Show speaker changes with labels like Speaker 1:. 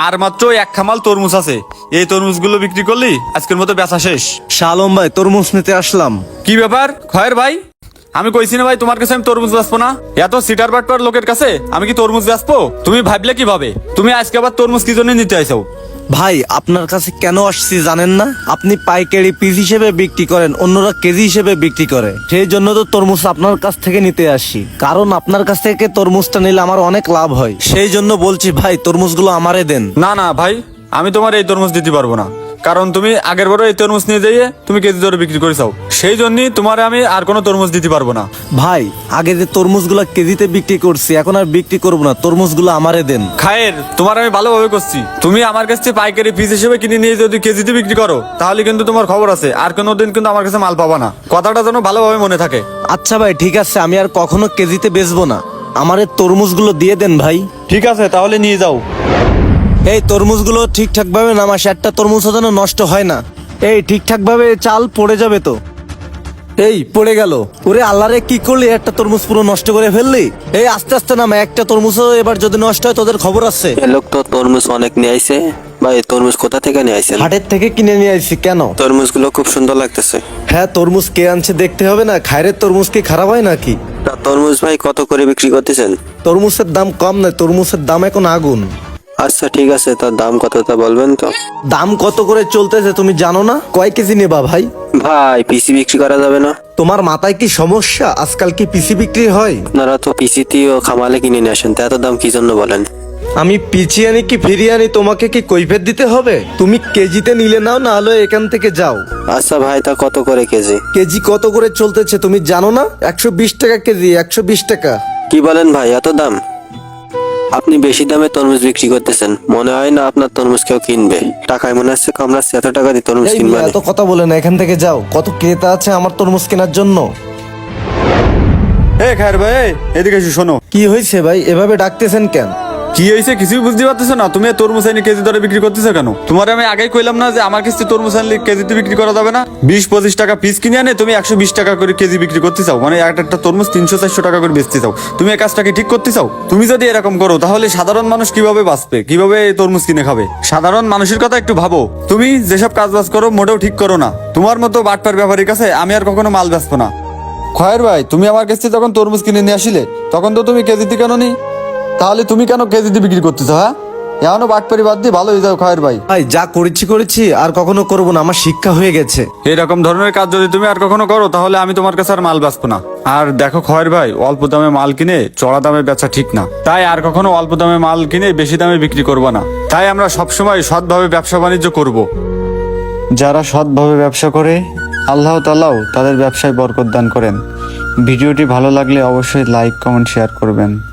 Speaker 1: আর মাত্র এক খামাল তরমুজ আছে, এই তরমুজগুলো বিক্রি করলি আজকের মতো বেচা শেষ।
Speaker 2: শালম ভাই, তরমুজ নিতে আসলাম।
Speaker 1: কি ব্যাপার খয়ের ভাই, আমি কইছি না ভাই তোমার কাছে আমি তরমুজ বেচবো না? এত সিটার বাটপার লোকের কাছে আমি কি তরমুজ বেচবো? তুমি ভাবলে কিভাবে? তুমি আজকে আবার তরমুজ কি জন্য নিতে আইছো?
Speaker 2: ভাই, আপনার কাছে কেন আসছি জানেন না? আপনি পাইকারি পিস হিসেবে বিক্রি করেন, অন্যরা কেজি হিসেবে বিক্রি করে। সেই জন্য তো তরমুজ আপনার কাছ থেকে নিতে আসি, কারণ আপনার কাছ থেকে তরমুজটা নিলে আমার অনেক লাভ হয়। সেই জন্য বলছি ভাই, তরমুজগুলো আমারে দেন।
Speaker 1: না না ভাই, আমি তোমার এই তরমুজ দিতে পারবো না, কারণ তুমি আগের বড় এই তরমুজ নিয়ে যাইয়ে তুমি কেজি দরে বিক্রি করেছাও, সেই জন্যই তোমার আমি আর কোনো তরমুজ দিতে পারবো না।
Speaker 2: ভাই, আগে যে তরমুজগুলো কেজিতে বিক্রি করছি, এখন আর বিক্রি করবো না, তরমুজগুলো আমারে দেন।
Speaker 1: খায়ের, তোমার আমি ভালোভাবে করছি, তুমি আমার কাছে পাইকারি পিস হিসেবে কিনে নিয়ে যদি কেজিতে বিক্রি করো তাহলে কিন্তু তোমার খবর আছে, আর কোনোদিন কিন্তু আমার কাছে মাল পাবা না। কথাটা যেন ভালোভাবে মনে থাকে।
Speaker 2: আচ্ছা ভাই, ঠিক আছে, আমি আর কখনো কেজিতে বেচবো না, আমারে তরমুজগুলো দিয়ে দেন ভাই।
Speaker 1: ঠিক আছে, তাহলে নিয়ে যাও।
Speaker 2: এই তরমুজগুলো ঠিকঠাক ভাবে নামাস, একটা তরমুজ যেন নষ্ট হয় না। এই ঠিকঠাক ভাবে চাল পড়ে যাবে তো। এই পড়ে গেল। ওরে আল্লাহরে, কি করলি? একটা তরমুজ পুরো নষ্ট করে ফেললি। এই আস্তে আস্তে নামা, একটা তরমুজও এবার যদি নষ্ট হয় তোদের খবর আছে।
Speaker 3: এ লোক তো তরমুজ অনেক নিয়ে আইছে। ভাই, তরমুজ কোথা থেকে নিয়ে আইছেন?
Speaker 2: হাটের থেকে কিনে নিয়ে আসছি। কেন?
Speaker 3: তরমুজগুলো খুব সুন্দর লাগতেছে।
Speaker 2: হ্যাঁ, তরমুজ কে আনছে দেখতে হবে না? খায়রের তরমুজ কি খারাপ হয় নাকি?
Speaker 3: তা তরমুজ ভাই কত করে বিক্রি করতেছেন?
Speaker 2: তরমুজের দাম কম নয়, তরমুজের দাম এখন আগুন।
Speaker 3: আচ্ছা ঠিক আছে, তার দাম কত তা বলবেন তো?
Speaker 2: দাম কত করে চলতেছে তুমি জানো না? কয় কেজি নেবা ভাই?
Speaker 3: ভাই, পিসি বিক্রি করা যাবে না?
Speaker 2: তোমার মাথায় কি সমস্যা? আজকাল কি পিসি বিক্রি হয়?
Speaker 3: আপনারা তো পিসিতেও খামালে কিনে নিয়ে আসেন, তা এত দাম কি জন্য বলেন?
Speaker 2: আমি পিছিয়ে আনি কি ফিরিয়ে আনি তোমাকে কি কৈফিয়ত দিতে হবে? তুমি কেজিতে নিলে নাও, না হলে এখান থেকে যাও।
Speaker 3: আচ্ছা ভাই, তা কত করে কেজি?
Speaker 2: কেজি কত করে চলতেছে তুমি জানো না? 120 টাকা কেজি, 120 টাকা।
Speaker 3: কি বলেন ভাই, এত দাম? আপনি বেশি দামে তরমুজ বিক্রি করতেছেন, মনে হয় না আপনার তরমুজ কেউ কিনবে। টাকায় মনে হচ্ছে কামড়াচ্ছে, এত টাকা দিয়ে তরমুজ
Speaker 2: এই
Speaker 3: কিনবে
Speaker 2: মেয়ে,
Speaker 3: না।
Speaker 2: এত কথা বলে না, এখান থেকে যাও। কত ক্রেতা আছে আমার তরমুজ কেনার জন্য।
Speaker 1: এ খায়ের ভাই, এদিকে এসে শোনো।
Speaker 2: কি হয়েছে ভাই, এভাবে ডাকতেছেন কেন?
Speaker 1: কি হয়েছে কিছুই বুঝতে পারতেছো না? তুমি তরমুজ আইনি কেজি দরে বিক্রি করতেছো কেন? তোমার আমি আগেই কইলাম না যে আমার কাছে তরমুজ আনলে কেজিতে বিক্রি করা যাবে না? 20-25 টাকা পিস কিনে আনে তুমি 120 টাকা করে কেজি বিক্রি করতে চাও, মানে একটা তরমুজ 300-400 টাকা করে বেচতে চাও। তুমি এই কাজটাকে ঠিক করতে চাও? তুমি যদি এরকম করো তাহলে সাধারণ মানুষ কিভাবে বাঁচবে, কিভাবে এই তরমুজ কিনে খাবে? সাধারণ মানুষের কথা একটু ভাবো। তুমি যেসব কাজ বাজ করো মোটেও ঠিক করো না। তোমার মতো বাটপার ব্যাপারীর কাছে আমি আর কখনো মাল বেচবো না। খয়ের ভাই, তুমি আমার কাছে যখন তরমুজ কিনে নিয়ে আসিলে তখন তো তুমি কেজিতে কেন নি? তাহলে তুমি কেন কেজিতে বিক্রি করতেছো? হ্যাঁ, এখনো বাটপারি বাদ দিয়ে ভালো হয়ে যাও খয়ের ভাই।
Speaker 2: ভাই, যা করেছি আর কখনো করবো না, আমার শিক্ষা হয়ে গেছে।
Speaker 1: এরকম ধরনের কাজ যদি তুমি আর কখনো করো তাহলে আমি তোমার কাছে আর মাল বেচবো না। আর দেখো খয়ের ভাই, অল্প দামে মাল কিনে চড়া দামে বেচা ঠিক না, তাই আর কখনো অল্প দামে মাল কিনে বেশি দামে বিক্রি করবো না। তাই আমরা সবসময় সৎভাবে ব্যবসা বাণিজ্য করব। যারা সৎভাবে ব্যবসা করে আল্লাহ তাআলাও তাদের ব্যবসায় বরকত দান করেন। ভিডিওটি ভালো লাগলে অবশ্যই লাইক, কমেন্ট, শেয়ার করবেন।